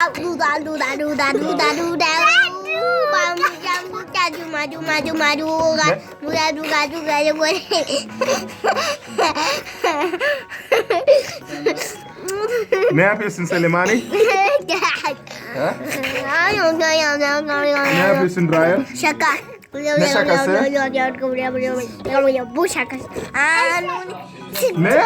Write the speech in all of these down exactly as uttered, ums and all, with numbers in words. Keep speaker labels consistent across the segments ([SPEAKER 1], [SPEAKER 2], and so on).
[SPEAKER 1] Duda duda duda duda duda. Maju maju maju maju. Duda duda duda duda.
[SPEAKER 2] Ne yapıyorsun Selimani? Ha? Ne yapıyorsun Ryan?
[SPEAKER 1] Şaka.
[SPEAKER 2] Ne şakası?
[SPEAKER 1] Bu şakası.
[SPEAKER 2] Ne?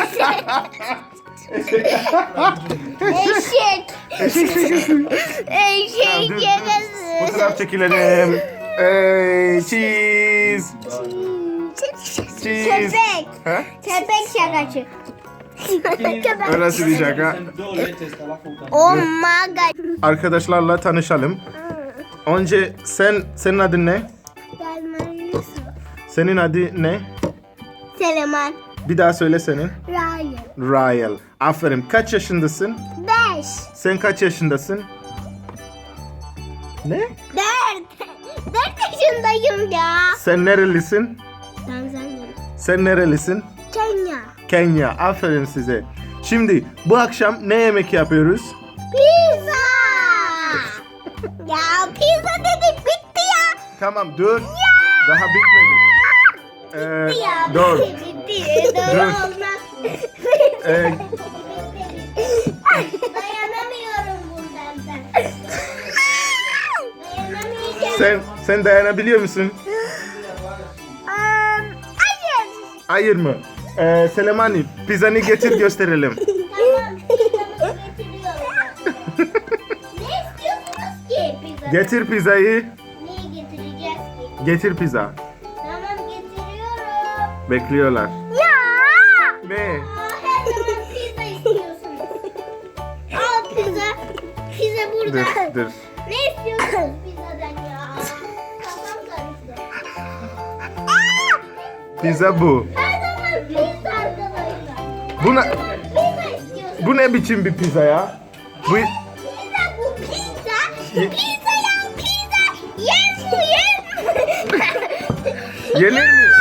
[SPEAKER 1] Eşek.
[SPEAKER 2] Eşek şakası.
[SPEAKER 1] Eşek
[SPEAKER 2] Dur,
[SPEAKER 1] şakası.
[SPEAKER 2] Fotoğraf çekilelim. Hey, cheese. Cheese.
[SPEAKER 1] Köpek.
[SPEAKER 2] Ha?
[SPEAKER 1] Köpek şakası.
[SPEAKER 2] Orası bir şaka.
[SPEAKER 1] Oh my god.
[SPEAKER 2] Arkadaşlarla tanışalım. Önce sen, senin adın ne? Senin adın ne?
[SPEAKER 1] Seleman.
[SPEAKER 2] Bir daha söyle senin.
[SPEAKER 1] Ryan.
[SPEAKER 2] Ryan. Aferin. Kaç yaşındasın?
[SPEAKER 1] Beş.
[SPEAKER 2] Sen kaç yaşındasın? Ne?
[SPEAKER 1] Dört. Dört yaşındayım ya.
[SPEAKER 2] Sen nerelisin?
[SPEAKER 1] Tanzanya.
[SPEAKER 2] Sen nerelisin?
[SPEAKER 1] Kenya.
[SPEAKER 2] Kenya. Aferin size. Şimdi bu akşam ne yemek yapıyoruz?
[SPEAKER 1] Pizza. Ya pizza dedik bitti ya.
[SPEAKER 2] Tamam dur. Daha bitmedi. Ee,
[SPEAKER 1] Ya
[SPEAKER 2] dur.
[SPEAKER 1] bitti bitti. Doğru
[SPEAKER 2] Dur.
[SPEAKER 1] olmaz.
[SPEAKER 2] Ee,
[SPEAKER 1] Dayanamıyorum bundan ben. Dayanamayacağım.
[SPEAKER 2] sen sen dayanabiliyor musun?
[SPEAKER 1] Um, hayır.
[SPEAKER 2] Hayır mı? Ee, Selemani pizzanı getir gösterelim.
[SPEAKER 1] Tamam pizzamızı getiriyorum. Ne istiyorsunuz ki pizza?
[SPEAKER 2] Getir pizzayı.
[SPEAKER 1] Neyi getireceğiz ki?
[SPEAKER 2] Getir pizza.
[SPEAKER 1] Tamam getiriyorum.
[SPEAKER 2] Bekliyorlar.
[SPEAKER 1] Ya.
[SPEAKER 2] Ne?
[SPEAKER 1] Aa, her zaman pizza istiyorsunuz. Al pizza. Pizza burada.
[SPEAKER 2] Dur dur.
[SPEAKER 1] Ne istiyorsunuz pizzadan ya? Kafam karıştı.
[SPEAKER 2] Pizza bu.
[SPEAKER 1] Her zaman pizza arkadaşlar.
[SPEAKER 2] Bu ne,
[SPEAKER 1] Pizza istiyorsunuz.
[SPEAKER 2] bu ne biçim bir pizza ya? Bu
[SPEAKER 1] Pizza bu pizza.
[SPEAKER 2] Ye-
[SPEAKER 1] Pizza ya pizza. Yer bu yer.
[SPEAKER 2] yenir mi?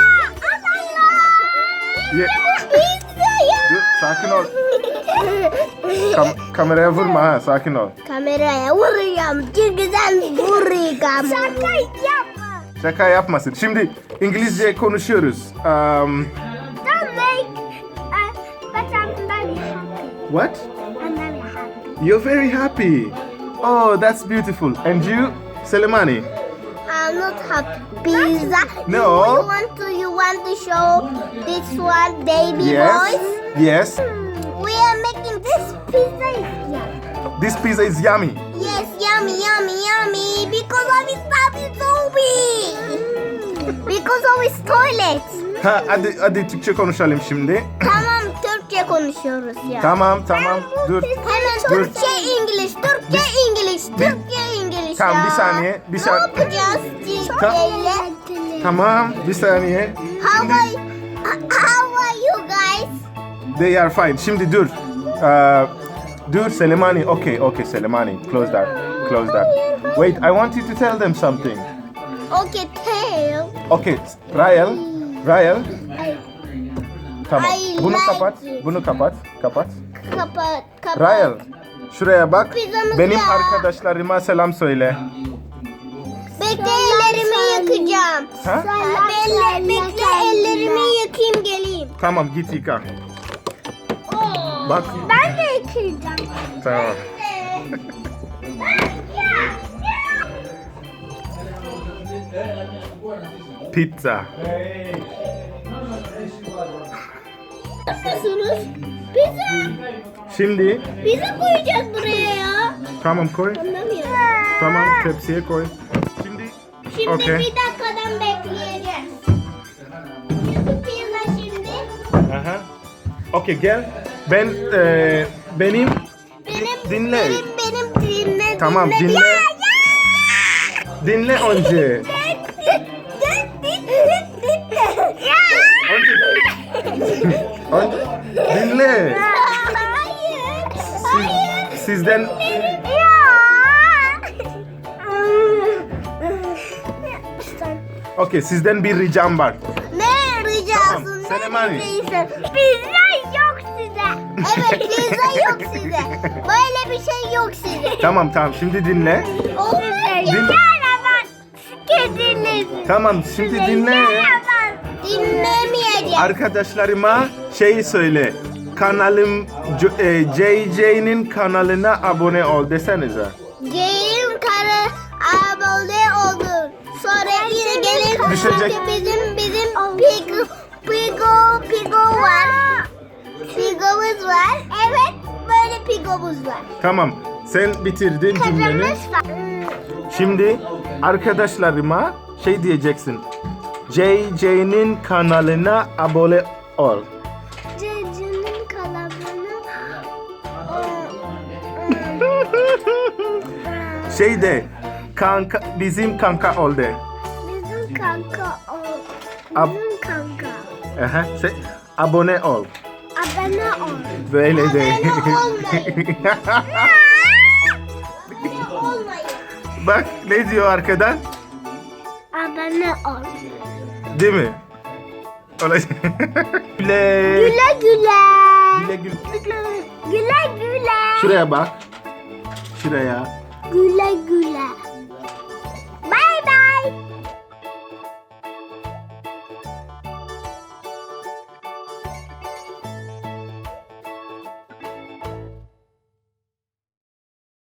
[SPEAKER 2] Ye-
[SPEAKER 1] Pizza ya.
[SPEAKER 2] Dur, sakin ol. Kam- kameraya vurma ha, sakin ol.
[SPEAKER 1] Kameraya vuracağım. Çünkü sen vuracağım. Şaka yapma.
[SPEAKER 2] Şaka yapmasın. Şimdi İngilizce konuşuyoruz. Um,
[SPEAKER 1] Don't make. Uh, but I'm very happy.
[SPEAKER 2] what?
[SPEAKER 1] I'm very happy.
[SPEAKER 2] You're very happy. Oh, that's beautiful. And you, Selemani?
[SPEAKER 1] I'm not happy. Pizza.
[SPEAKER 2] No.
[SPEAKER 1] You want to? You want to show this one, baby
[SPEAKER 2] Yes.
[SPEAKER 1] boys?
[SPEAKER 2] Yes.
[SPEAKER 1] We are making this pizza is yummy.
[SPEAKER 2] This pizza is yummy.
[SPEAKER 1] Yes, yummy, yummy, yummy. Because of his tummy so big. Because of his toilet.
[SPEAKER 2] Ha, hadi hadi Türkçe konuşalım şimdi.
[SPEAKER 1] Tamam, Türkçe konuşuyoruz ya.
[SPEAKER 2] Tamam, tamam. Dur.
[SPEAKER 1] Hemen
[SPEAKER 2] Dur.
[SPEAKER 1] Türkçe, İngiliz, Türkçe, İngiliz, Türkçe, İngiliz
[SPEAKER 2] Tamam,
[SPEAKER 1] ya.
[SPEAKER 2] bir saniye, bir
[SPEAKER 1] Ne
[SPEAKER 2] saniye.
[SPEAKER 1] yapacağız
[SPEAKER 2] Ta-
[SPEAKER 1] Türkçeyle?
[SPEAKER 2] Tamam, bir saniye.
[SPEAKER 1] How
[SPEAKER 2] Şimdi
[SPEAKER 1] are, how are you guys?
[SPEAKER 2] they are fine. Şimdi dur. Uh, dur Selemani. Okay, okay Selemani. Close that. Close that. Wait, I want you to tell them something.
[SPEAKER 1] Okay, tail.
[SPEAKER 2] Okay, Ryan. Ryan. Tamam.
[SPEAKER 1] I
[SPEAKER 2] Bunu
[SPEAKER 1] like
[SPEAKER 2] kapat.
[SPEAKER 1] it.
[SPEAKER 2] Bunu kapat. Kapat.
[SPEAKER 1] Kapat, kapat.
[SPEAKER 2] Ryan. Şuraya bak.
[SPEAKER 1] Pizzamız
[SPEAKER 2] Benim
[SPEAKER 1] ya.
[SPEAKER 2] arkadaşlarıma selam söyle.
[SPEAKER 1] Bekle ellerimi yakacağım.
[SPEAKER 2] Ha?
[SPEAKER 1] Bekle, bekle ellerimi yakayım geleyim.
[SPEAKER 2] Tamam, git yıka. Bak.
[SPEAKER 1] Ben de yakacağım.
[SPEAKER 2] Tamam. Pizza.
[SPEAKER 1] Nasılsınız? Pizza.
[SPEAKER 2] Şimdi
[SPEAKER 1] Pizza koyacağız buraya ya.
[SPEAKER 2] tamam koy.
[SPEAKER 1] Anlamıyorum.
[SPEAKER 2] Tamam, tepsiye koy. Şimdi
[SPEAKER 1] Şimdi
[SPEAKER 2] Okey.
[SPEAKER 1] bir dakikadan bekleyeceğiz. Çünkü pizza şimdi
[SPEAKER 2] aha. Okay, gel. Ben e, benim
[SPEAKER 1] benim
[SPEAKER 2] dinle.
[SPEAKER 1] benim benim dinle
[SPEAKER 2] Tamam,
[SPEAKER 1] dinle.
[SPEAKER 2] dinle.
[SPEAKER 1] Ya, ya.
[SPEAKER 2] Dinle önce. Önce. Önce dinle.
[SPEAKER 1] Hayır.
[SPEAKER 2] Siz, sizden
[SPEAKER 1] Ya.
[SPEAKER 2] okay, sizden bir ricam var.
[SPEAKER 1] Ne rica
[SPEAKER 2] Tamam,
[SPEAKER 1] olsun?
[SPEAKER 2] Selemani.
[SPEAKER 1] Ne diyeceksin? Pizza yok size. Evet pizza yok size. Böyle bir şey yok size.
[SPEAKER 2] Tamam tamam şimdi dinle. Din- Tamam şimdi dinle.
[SPEAKER 1] Dinlemeyeceğim.
[SPEAKER 2] Arkadaşlarıma şey söyle. Kanalım J J'nin kanalına abone ol desenize.
[SPEAKER 1] Gelin karı abone olun. Sonra yine gelin.
[SPEAKER 2] Düşecek.
[SPEAKER 1] Çünkü bizim bizim pigo pigo pigo var. Pigomuz var. Evet böyle pigomuz var.
[SPEAKER 2] Tamam sen bitirdin cümleni.
[SPEAKER 1] Karımız var.
[SPEAKER 2] Şimdi arkadaşlarıma şey diyeceksin. J J'nin kanalına abone ol.
[SPEAKER 1] Cecinin kalanını
[SPEAKER 2] Şey de kanka bizim kanka ol de.
[SPEAKER 1] bizim kanka ol.
[SPEAKER 2] Ab-
[SPEAKER 1] Bizim kanka.
[SPEAKER 2] Aha, şey, abone ol.
[SPEAKER 1] Abone ol.
[SPEAKER 2] Böyle de.
[SPEAKER 1] Abone olmayın. Abone olmayın.
[SPEAKER 2] Bak ne diyor arkadan?
[SPEAKER 1] Abone ol.
[SPEAKER 2] Değil mi? Olacak. Güle.
[SPEAKER 1] Güle güle.
[SPEAKER 2] Güle güle.
[SPEAKER 1] Güle güle.
[SPEAKER 2] Şuraya bak. Şuraya.
[SPEAKER 1] Güle güle.